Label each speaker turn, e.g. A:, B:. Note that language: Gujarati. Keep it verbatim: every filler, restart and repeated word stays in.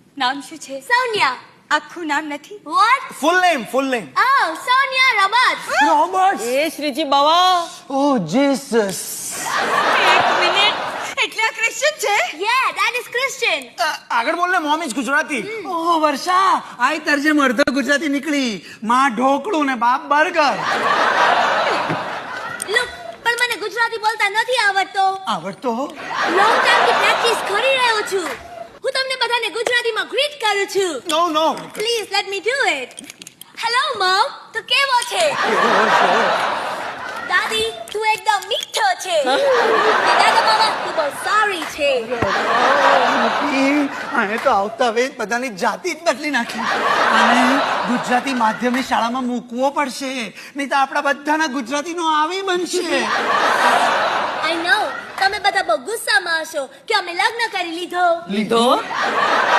A: નામ શું છે?
B: સોનિયા.
A: આખું નામ નથી?
B: What?
C: Full name full name
B: Oh, Sonia Roberts.
C: Robert
D: એ શ્રીજી બાવા
C: ઓ જીસસ
A: એક મિનિટ, એટલે આ ક્રિશ્ચન છે?
B: Yeah, that is Christian.
C: આગળ બોલ ને mom is Gujarati
E: oh Varsha આઈ તરજેમ અડધો ગુજરાતી નીકળી માં ઢોકળું ને બાપ બર્ગર
B: Look, પણ મને ગુજરાતી બોલતા નથી આવડતો.
E: આવડતો
B: Long time થી પ્રેક્ટિસ કરી રહ્યો છું. હું તમને બધાને ગુજરાતીમાં ગ્રીટ કરું છું.
C: નો નો
B: Please let me do it. Hello mom, તો કેવો છે? દાદી, તું એકદમ મીઠો છે. ને દાદા મામા, તું બહુ સારી છે.
E: આને તો આવતા વેત બધાની જાતિ જ બદલી નાખી અને ગુજરાતી માધ્યમિક શાળામાં મૂકવો પડશે નહીં તો આપણા બધાના ગુજરાતીનો આવી બનશે
B: I know, તમે બધા બહુ ગુસ્સામાં હશો કે અમે લગ્ન કરી લીધો.
D: લીધો